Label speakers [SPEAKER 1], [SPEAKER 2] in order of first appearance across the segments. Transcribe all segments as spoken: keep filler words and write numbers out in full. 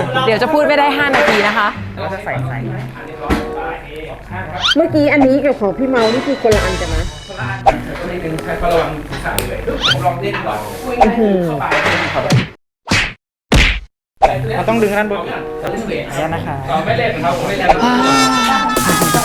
[SPEAKER 1] เดี๋ยวจะพูดไม่ได้ห้านาทีนะคะ
[SPEAKER 2] แล้วจะใส่ใส่
[SPEAKER 3] เมื่อกี้อันนี้กับของพี่เมานี่คือคนละอันกันนะ
[SPEAKER 2] คนละอันก็นิดนึงใช้ระวังใส่เลยผมลองเล่นก่อนเข้าไปเราต้องดึงด้านบนแล้วนะคะไม่เล่นครับผมไม่เล่น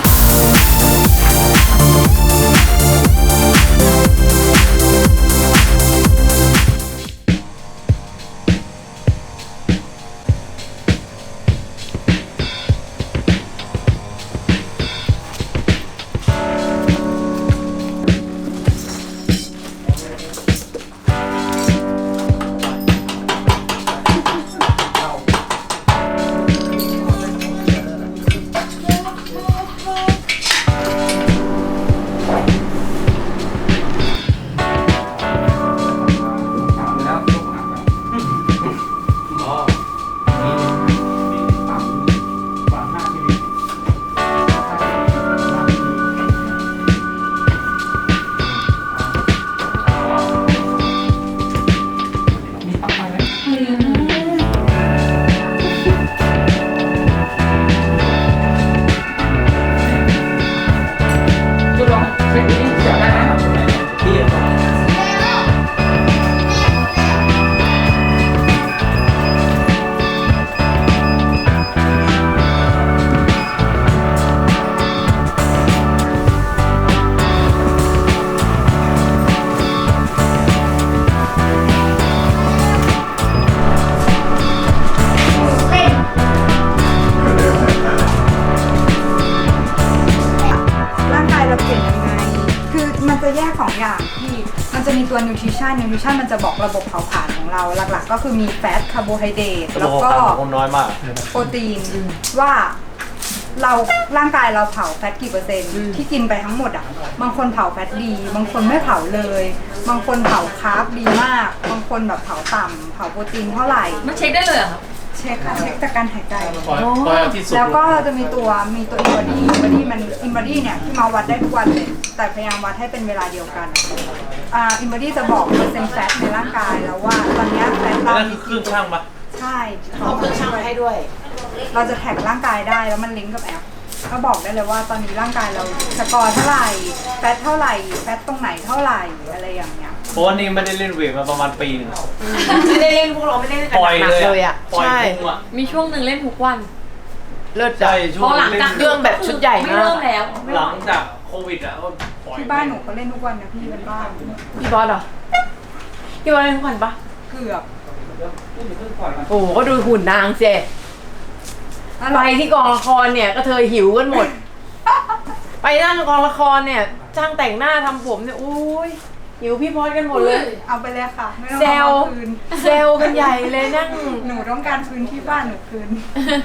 [SPEAKER 4] แยกสองอย่างที่มันจะมีตัวนิวทริชั่นนิวทริชั่นมันจะบอกระบบเผาผลาญของเราหลักๆก็คือมีแฟตคาร์โบไฮเดรตแล้วก็
[SPEAKER 5] น้อยมาก
[SPEAKER 4] โปรตีนว่าเราร่างกายเราเผาแฟตกี่เปอร์เซ็นต์ที่กินไปทั้งหมดอ่ะบางคนเผาแฟตดีบางคนไม่เผาเลยบางคนเผาคาร์บดีมากบางคนแบบเผาต่ำเผาโปรตีนเท่าไหร่
[SPEAKER 1] มันเช็คได้เลยเหรอครับ
[SPEAKER 4] เช็คค่ะเช็คจากการหายใจแล้วก็จะมีตัวมีตัวอินบอดี้อินบอดี้มันอินบอดี้เนี่ยที่มาวัดได้ทุกวันเลยแต่พยายามวัดให้เป็นเวลาเดียวกันอ่าอินบอดี้จะบอกเปอร์เซ็นต์แฟตในร่างกายแล้วว่าตอนนี้แฟตเรา
[SPEAKER 5] คือเครื่องช่างปะ
[SPEAKER 4] ใช่
[SPEAKER 1] เขาเครื่องช่างให้ด้วย
[SPEAKER 4] เราจะแท็กร่างกายได้แล้วมันลิงก์กับแอปก็บอกได้เลยว่าตอนนี้ร่างกายเราสกอร์เท่าไหร่แฟตเท่าไหร่แฟตตรงไหนเท่าไหร่อะไรอย่างเงี้ย
[SPEAKER 5] เพราะว่านี่ไม่ได้เล่นเวทมาประมาณปีนึง
[SPEAKER 1] ไม่ได้เล่นพวกเราไม่ได้เล่นกันหนักเลยอ่ะ
[SPEAKER 5] ใช่
[SPEAKER 1] มีช่วงหนึ่งเล่นทุกวัน
[SPEAKER 5] เลิศใจช่วง
[SPEAKER 1] หลังจากเรื่องแบบชุดใหญ่ไม่เริ่มแล้ว
[SPEAKER 5] หลังจากโควิดอ่ะ
[SPEAKER 4] ที่บ้านหนูเขาเล่นทุกวันนะพี่เป็นบ้าน
[SPEAKER 1] พี่บอสเหรอพี่บอสเล่นทุกวันปะ
[SPEAKER 4] เกือบ
[SPEAKER 1] โอ้ก็ดูหุ่นนางเจไปที่กองละครเนี่ยก็เธอหิวกันหมดไปนั่งกองละครเนี่ยจ้างแต่งหน้าทำผมเนี่ยอุ้ยหิวพี่พอดกันหมดเลย
[SPEAKER 4] เอาไปเลยค่ะไม่ต้อง
[SPEAKER 1] เซลเซลกันใหญ่เลยนั่ง
[SPEAKER 4] หนูต้องการคืนที่บ้านหนูคืน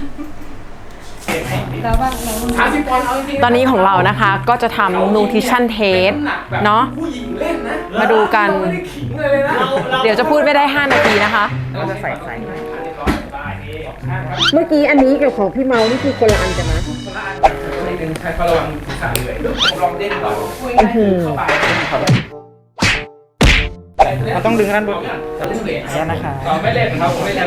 [SPEAKER 1] ตอนนี้ของเรานะคะก็จะทำ nutrition test เนาะมาดูกันเดี๋ยวจะพูดไม่ได้ห้านาทีนะคะ
[SPEAKER 2] เราจะใส่ใส่
[SPEAKER 3] เมื่อกี้อันนี้กับของพี่เมานี่คือคนละอันกันนะ
[SPEAKER 2] คนละอันนิดนึงใช้ระวังใส่เลยผมลองเล่นก่อนเข้าไปเราต้องดึงด้านบนแล้วนะคะไม่เล่นครับผมไม่เล่น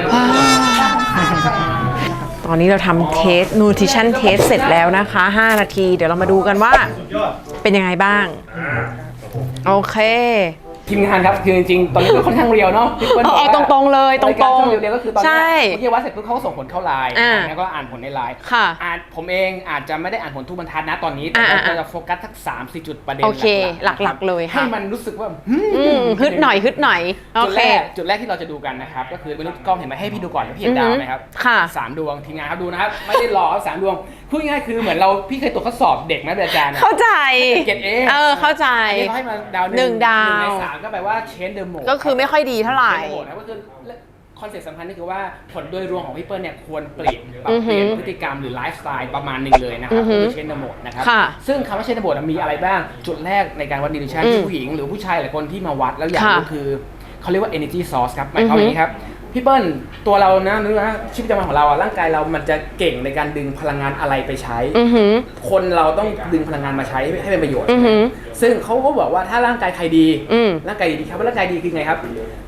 [SPEAKER 1] ตอนนี้เราทำเทส nutrition test เสร็จแล้วนะคะห้านาทีเดี๋ยวเรามาดูกันว่าเป็นยังไงบ้างโอเค
[SPEAKER 2] ทีมงานครับคือจริงๆตอนนี้ก็ค่อนข้างเรียวเนาะ
[SPEAKER 1] เอาตรงๆเลยตรง
[SPEAKER 2] ๆเรียวๆก็คือตอนนี้เมื่อกี้วัดเสร็จปุ๊บเขาก็ส่งผลเข้าไลน์แล้วก็อ่านผลในไลน์อ่านผมเองอาจจะไม่ได้อ่านผลทุกบรรทัดนะตอนนี้แต่เราจะโฟกัสทักสามสี่จุดประเด็น
[SPEAKER 1] หลักๆเลย
[SPEAKER 2] ให้มันรู้สึกว่า
[SPEAKER 1] ฮึดหน่อยฮึดหน่อย
[SPEAKER 2] จุดแรกจุดแรกที่เราจะดูกันนะครับก็คือเป็นรูปกล้องเห็นไหมให้พี่ดูก่อนแล้วพี่เห็นดาวไหมครับสามดวงทีมงานครับดูนะครับไม่ได้หลอกสามดวงพูดง่ายคือเหมือนเราพี่เคยตรวจข้อสอบเด็กนะอาจารย์
[SPEAKER 1] เข้าใจ
[SPEAKER 2] เกรดเอ
[SPEAKER 1] เออเข้าใจ
[SPEAKER 2] อันนี้เขาให้มาดาวหนึ่งดาวหนึ่งในสามก็แปลว่าเชนเดอร์โหมด
[SPEAKER 1] ก็คือไม่ค่อยดีเท่าไหร่
[SPEAKER 2] ก็คือคอนเซ็ปต์สำคัญก็คือว่าผลโดยรวมของพี่เปิ้ลเนี่ยควรเปลี่ยนปรับเปลี่ยนพฤติกรรมหรือไลฟ์สไตล์ประมาณนึงเลยนะครับคือเชนเดอร์โหมดนะครับซึ่งคำว่าเชนเดอร์โหมดมีอะไรบ้างจุดแรกในการวัดนิวทริชั่นที่ผู้หญิงหรือผู้ชายหลายคนที่มาวัดแล้วอยากรู้คือเขาเรียกว่า energy source ครับหมายความว่าอย่างนี้ครับพี่เปิ้ลตัวเรานะนึกว่าชีวิตประจำวันของเราอะร่างกายเรามันจะเก่งในการดึงพลังงานอะไรไปใช้คนเราต้องดึงพลังงานมาใช้ให้เป็นประโยชน์ซึ่งเขาก็บอกว่าถ้าร่างกายใครดีร่างกายดีครับว่าร่างกายดีคือไงครับ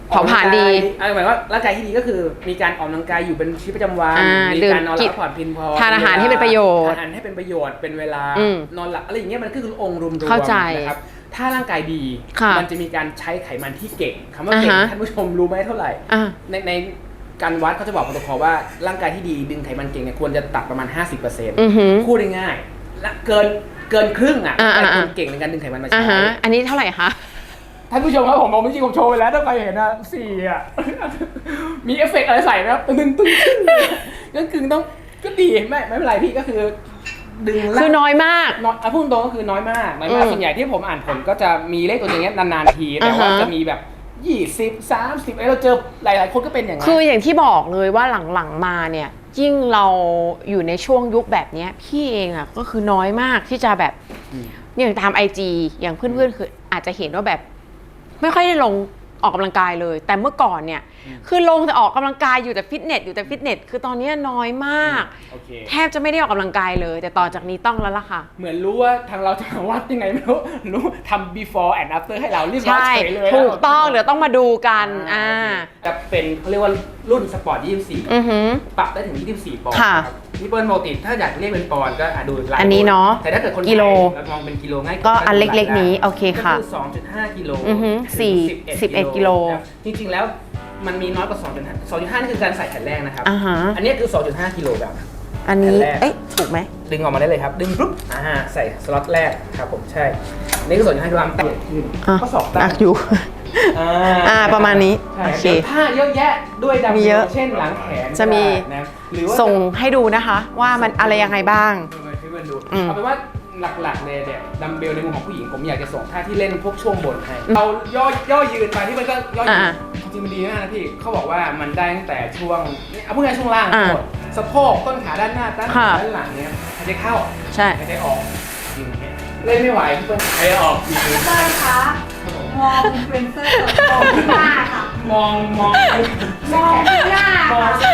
[SPEAKER 1] เผาผลาญดี
[SPEAKER 2] อะไรหมายว่าร่างกายที่ดีก็คือมีการออกกำลังกายอยู่เป็นชีวิตประจำวัน
[SPEAKER 1] อ่า
[SPEAKER 2] มีการนอนหลับพักผ่อนเพียงพอ
[SPEAKER 1] ทานอาหารให้เป็นประโยชน์
[SPEAKER 2] ทานอาหารให้เป็นประโยชน์เป็นเวลา
[SPEAKER 1] อืม
[SPEAKER 2] นอนหลับอะไรอย่างเงี้ยมันก็คือองค์รวมๆ
[SPEAKER 1] เข้าใจ
[SPEAKER 2] นะครับถ้าร่างกายดี
[SPEAKER 1] ค่ะ
[SPEAKER 2] มันจะมีการใช้ไขมันที่เก่งคำว่าเก่ง
[SPEAKER 1] อ่าฮะ
[SPEAKER 2] ท่านผู้ชมรู้ไหมเท่าไหร่
[SPEAKER 1] อ่ะ
[SPEAKER 2] ในในการวัดเขาจะบอกโปรโตคอลว่าร่างกายที่ดีดึงไขมันเก่งเนี่ยควรจะตัดประมาณ ห้าสิบเปอร์เซ็นต์
[SPEAKER 1] อือหือ
[SPEAKER 2] พูดง่ายๆและเกินเกินครึ่งอ่ะ
[SPEAKER 1] อ่าอ่า
[SPEAKER 2] คนเก่งในการดึงไขมันมา
[SPEAKER 1] อ่า
[SPEAKER 2] ใช้
[SPEAKER 1] ฮะอันนี้เท่าไหร่คะ
[SPEAKER 2] ท่านผู้ชมครับผมบอกจริงๆผมโชว์ไปแล้วถ้าใครเห็นนะสี่อ่ะ มีเอฟเฟกต์อะไรใส่ไหมครับตึงตึงตึงก็คือต้องก็ดีไม่ไม่เป็นไรพี่ก็คือดึง
[SPEAKER 1] คือน้อยมาก
[SPEAKER 2] น้อยอ่ะพูดตรงก็คือน้อยมากน้อยมาก
[SPEAKER 1] อืม
[SPEAKER 2] ส่วนใหญ่ที่ผมอ่านผลก็จะมีเลขตัวอย่างเงี้ยนานๆทีแต่ว่า
[SPEAKER 1] อ่าฮะ
[SPEAKER 2] จะมีแบบยี่สิบ สามสิบไอ้เราเจอหลายๆคนก็เป็นอย่างนั้น
[SPEAKER 1] คืออย่างที่บอกเลยว่าหลังๆมาเนี่ยยิ่งเราอยู่ในช่วงยุคแบบเนี้ยพี่เองอ่ะก็คือน้อยมากที่จะแบบ
[SPEAKER 2] อืม
[SPEAKER 1] อย่างตามไอจีอย่างเพื่อนๆคืออาจจะเห็นว่าแบบ ไม่ค่อยได้ลงออกกำลังกายเลย แต่เมื่อก่อนเนี่ยคือลงแต่ออกกำลังกายอยู่แต่ฟิตเนสอยู่แต่ฟิตเนสคือตอนนี้น้อยมาก
[SPEAKER 2] โอเค
[SPEAKER 1] แทบจะไม่ได้ออกกำลังกายเลย แต่ต่อจากนี้ต้องแล้วล่ะค่ะ
[SPEAKER 2] เหมือนรู้ว่าทางเราจะมาวัดยังไงไม่รู้รู้ทำ before and after ให้เราเรียบร้อย
[SPEAKER 1] ใช่
[SPEAKER 2] เฉยเลย
[SPEAKER 1] ถูกต้องเดี๋ยวต้องมาดูกันอ่า
[SPEAKER 2] จะเป็นเขาเรียกว่ารุ่นสปอร์ตยี่สิบสี่
[SPEAKER 1] อือหือ
[SPEAKER 2] ปรับได้ถึงยี่สิบสี่ปอนด์
[SPEAKER 1] ค่ะ
[SPEAKER 2] ครับพี่เปิ้ลปกติถ้าอยากเรียกเป็นปอนด์ก็อ่ะดูลาย
[SPEAKER 1] อันนี้เนาะ
[SPEAKER 2] แต่ถ้าเกิดคน
[SPEAKER 1] กิโล
[SPEAKER 2] ไทยเรามองเป็นกิโลง่าย
[SPEAKER 1] ก็อันเล็กๆนี้โอเคค่ะ
[SPEAKER 2] ก็คือ สองจุดห้า กิโล
[SPEAKER 1] อือฮึ
[SPEAKER 2] ถึง
[SPEAKER 1] สี่
[SPEAKER 2] สิบเอ็ด
[SPEAKER 1] กิโล
[SPEAKER 2] ครับจริงๆแล้วมันมีน้อยกว่า สองจุดห้า สองจุดห้า นี่คือการใส่แผ่นแรกนะครับ
[SPEAKER 1] อ่าฮะ
[SPEAKER 2] อันนี้คือ สองจุดห้า กิโลแบบ
[SPEAKER 1] อันนี้
[SPEAKER 2] อันแรก
[SPEAKER 1] เอ๊ะถูกไหม
[SPEAKER 2] ดึงออกมาได้เลยครับ ดึงปุ๊บอ่าใส่สล็อตแรกครับผมใช่อันนี่คือ สองจุดห้า กิโลกรัมแต่ขึ้น
[SPEAKER 1] อ่ะ
[SPEAKER 2] ข้อศอกตั้
[SPEAKER 1] หนั
[SPEAKER 2] ง
[SPEAKER 1] กอยู่
[SPEAKER 2] อ่า
[SPEAKER 1] อ่าประมาณนี้
[SPEAKER 2] ใช่
[SPEAKER 1] โอเค
[SPEAKER 2] ดี๋ยวท่าเยอะแยะด้วยดัม
[SPEAKER 1] มี
[SPEAKER 2] เบ
[SPEAKER 1] เย
[SPEAKER 2] ล
[SPEAKER 1] อะ
[SPEAKER 2] เช่นหลังแขน
[SPEAKER 1] จะมี
[SPEAKER 2] ก็ได้นะหรือว่า
[SPEAKER 1] ส่งให้ดูนะคะ ว่ามันอะไรยังไงบ้าง
[SPEAKER 2] ให้เพื่อนดู
[SPEAKER 1] อืม
[SPEAKER 2] เอาเป็นว่าหลักๆเลยเนี่ยดัมเบลในมุมของผู้หญิงผมอยากจะส่งท่าที่เล่นพวกช่วงบนให้เราย่อย่อยืนไปที่มันก็ย่อยืน
[SPEAKER 1] อ่า
[SPEAKER 2] จริงๆมันดีมากนะพี่เขาบอกว่ามันได้ตั้งแต่ช่วงเอาพูดง่ายๆช่วงล่าง
[SPEAKER 1] อ่า
[SPEAKER 2] ทั้งหมดสะโพกต้นขาด้านหน้าด้านหลัง
[SPEAKER 1] ค่ะ
[SPEAKER 2] ด้านหลังเนี่ยหายใจเข้า
[SPEAKER 1] ใช่
[SPEAKER 2] หายใจออกยิงอย่างเงี้ยเล่นไม่ไหวพี่เปิ้ลหายใจออกยิงอย่างเงี้ย
[SPEAKER 4] เพื่อนคะมองอินฟลูเอนเซอร์มองที่หน้าค่ะ
[SPEAKER 2] มองมอง
[SPEAKER 4] มองที่หน้าม
[SPEAKER 2] อง
[SPEAKER 4] ค่ะ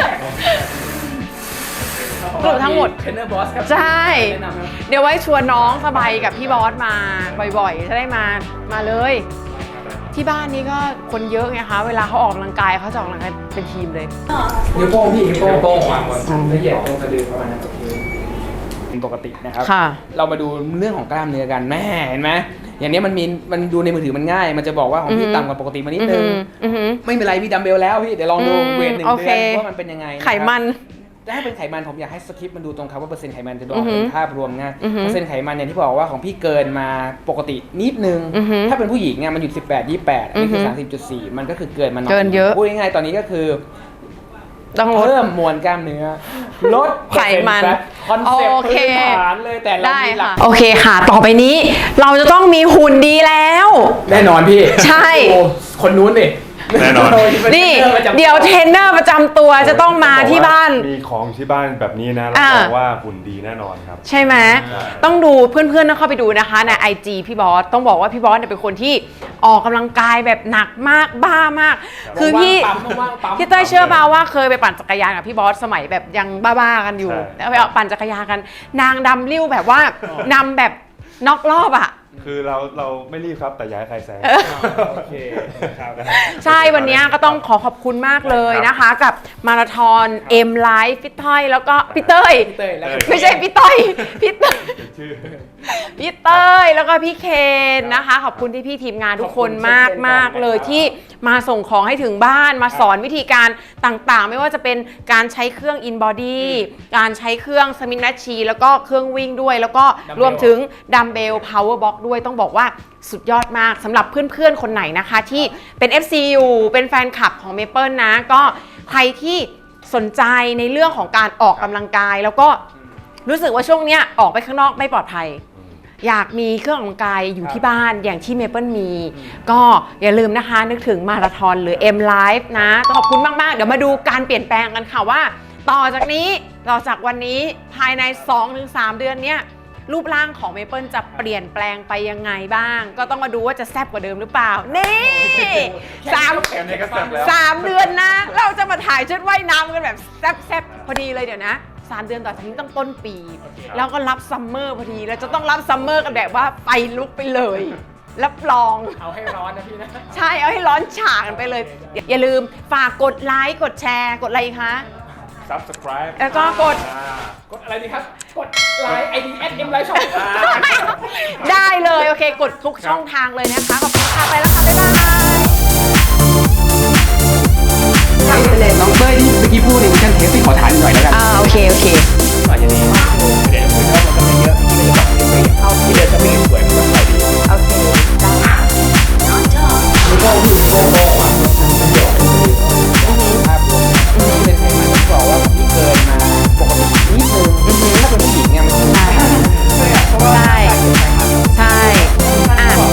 [SPEAKER 1] สรุปทั้งหมด
[SPEAKER 2] เทรนเนอร์บอสครับ
[SPEAKER 1] ใช่
[SPEAKER 2] แนะนำครับ
[SPEAKER 1] เดี๋ยวไว้ชวนน้องสบายกับพี่บอสมาบ่อยๆ จะได้มา มาเลย ที่บ้านนี้ก็คนเยอะไงคะ เวลาเขาออกกำลังกายเขาจะออกกำลังกายเป็นทีมเลย
[SPEAKER 2] นิ้วโป้งพี่นิ้วโป้งโป้งวางบนละเอียดตรงสะดือประมาณนั้นโอเคเป็นปกตินะครับ
[SPEAKER 1] ค่ะ
[SPEAKER 2] เรามาดูเรื่องของกล้ามเนื้อกันแม่เห็นไหมอย่างนี้มันมีมันดูในมือถือมันง่าย มันจะบอกว่าของ
[SPEAKER 1] อื
[SPEAKER 2] พี่
[SPEAKER 1] อฮึ
[SPEAKER 2] ต่ำกว่าปกติมานิดนึง
[SPEAKER 1] อือหือ
[SPEAKER 2] ไม่เป็นไรพี่ดัมเบลแล้วพี่เดี๋ยวลองดู
[SPEAKER 1] อืม
[SPEAKER 2] เวทหนึ่ง
[SPEAKER 1] โอ
[SPEAKER 2] เดื
[SPEAKER 1] เค
[SPEAKER 2] อนว่ามันเป็นยังไงะครับ
[SPEAKER 1] ไขมัน
[SPEAKER 2] ถ้าเป็นไขมันผมอยากให้สคริปต์มันดูตรงครับว่าเปอร์เซ็นต์ไขมันจะดูอ
[SPEAKER 1] อื
[SPEAKER 2] อ
[SPEAKER 1] อก ฮึ
[SPEAKER 2] เป็นภาพรวมง่าย
[SPEAKER 1] อือฮึ
[SPEAKER 2] เปอร์เซ็นต์ไขมันเนี่ยที่บอกว่าของพี่เกินมาปกตินิดนึง
[SPEAKER 1] อือฮึ
[SPEAKER 2] ถ้าเป็นผู้หญิงเนี่ยมันอยู่สิบแปด ยี่สิบแปดอันนี้คือ
[SPEAKER 1] อฮึ
[SPEAKER 2] สามสิบจุดสี่มันก็คือเกินมาหน่อย
[SPEAKER 1] เกินเยอะ
[SPEAKER 2] พูดง่ายๆตอนนี้ก็คือ
[SPEAKER 1] ต้องลด
[SPEAKER 2] เพิ่มมวลกล้ามเนื้อลด
[SPEAKER 1] ไขมัน
[SPEAKER 2] คอนเซ็ปต์
[SPEAKER 1] โอเค
[SPEAKER 2] พื้นฐานเลยแต่เรา
[SPEAKER 1] ได้
[SPEAKER 2] มีหลั
[SPEAKER 1] ค่ะ
[SPEAKER 2] ก
[SPEAKER 1] โอเคค่ะ ต่อไปนี้ เราจะต้องมีหุ่นดีแล้ว
[SPEAKER 2] แน่นอนพี่
[SPEAKER 1] ใช่
[SPEAKER 2] โอ้คนนู้นดิ
[SPEAKER 6] แน่นอน
[SPEAKER 1] นี่
[SPEAKER 2] ป็นทรนนอร์ประจำ
[SPEAKER 1] เดี๋ยวเทรนเนอร์ประจำตัวจะต้องมาที่บ้าน
[SPEAKER 6] มีของที่บ้านแบบนี้นะรับ
[SPEAKER 1] อ่า
[SPEAKER 6] รองว่าหุ่นดีแน่นอนครับ
[SPEAKER 1] ใช่ไหม
[SPEAKER 6] ใช่
[SPEAKER 1] ต้องดูเพื่อนๆต้องเข้าไปดูนะคะใน ไอ จี พี่บอส ต้องบอกว่าพี่บอสเนี่ยเป็นคนที่ออกกำลังกายแบบหนักมากบ้ามาก คือพี่
[SPEAKER 2] ว่างๆปั๊มว่างๆปั๊ม
[SPEAKER 1] พี่เต้ยเชื่อเปล่าว่าเคยไปปั่นจักรยานกับพี่บอสสมัยแบบยังบ้าๆกันอยู่
[SPEAKER 6] ใช่
[SPEAKER 1] แล้วไปเอาปั่นจักรยานกัน นางดำริ้วแบบว่านำแบบน็อกรอบอ่ะ
[SPEAKER 6] คือเราเราไม่รีบครับแต่อย้ายใครแซง
[SPEAKER 2] โอเคครับ
[SPEAKER 1] ใช่ วันนี้ก็ต้องขอขอบคุณมากเลยนะคะ กับมาราธอน M Life พี่ต้อยแล้วก็พี่เต้ย
[SPEAKER 2] พี่เต้ยแล้ว
[SPEAKER 1] ไม่ใช่พี่ต้อยพี่เต้ย
[SPEAKER 6] ชื่อ
[SPEAKER 1] พี่เต้ยแล้วก็พี่เคนนะคะ ขอบคุณที่พี่ทีมงานทุกคนมากมากๆเลยที่มาส่งของให้ถึงบ้านมาสอนวิธีการต่างๆ ไม่ว่าจะเป็นการใช้เครื่อง In Body การใช้เครื่อง Smith Machine แล้วก็เครื่องวิ่งด้วย แล้วก็รวมถึงดัมเบล Power Box ด้วยต้องบอกว่าสุดยอดมากสำหรับเพื่อนๆ คนไหนนะคะ ที่เป็น เอฟ ซี อยู่เป็นแฟนคลับของ Maple นะ ก็ใครที่สนใจในเรื่องของการออกกำลังกาย แล้วก็รู้สึกว่าช่วงเนี้ยออกไปข้างนอกไม่ปลอดภัย อยากมีเครื่องออกกำลังกายอยู่ที่บ้านอย่างที่ Maple มี ก็อย่าลืมนะคะนึกถึงมาราธอนหรือ M Life นะต้องขอบคุณมาก ๆ เดี๋ยวมาดูการเปลี่ยนแปลงกันค่ะว่า ต่อจากนี้ต่อจากวันนี้ภายใน สองถึงสาม เดือนเนี้ยรูปร่างของ Maple จะเปลี่ยนแปลงไปยังไงบ้าง ก็ต้องมาดูว่าจะแซ่บกว่าเดิมหรือเปล่า นี่สาม
[SPEAKER 6] แค่นี้ก็แซ่บแล้ว
[SPEAKER 1] สามเดือนนะ เราจะมาถ่ายชุดว่ายน้ำกันแบบแซ่บๆพอดีเลยเดี๋ยวนะสามเดือนต่อจากนี้ต้องต้นปี แล้วก็รับซัมเมอร์พอดีเราจะต้องรับซัมเมอร์กันแบบว่าไปลุกไปเลย
[SPEAKER 7] รับรอง
[SPEAKER 2] เอาให้ร้อนนะพี่นะ
[SPEAKER 7] ใช่เอาให้ร้อนฉากันไปเลย อย่าลืมฝากกดไลค์กดแชร์กดอะไรอีกคะ
[SPEAKER 6] subscribe
[SPEAKER 7] แล้วก็กด
[SPEAKER 6] อ่า
[SPEAKER 2] กดอะไรดีครับ กดไลน์ไอดีแอดเอ็มไลน์ช่อง
[SPEAKER 7] ได้เลย โอเค กดทุกช่องทางเลยนะคะขอบคุณ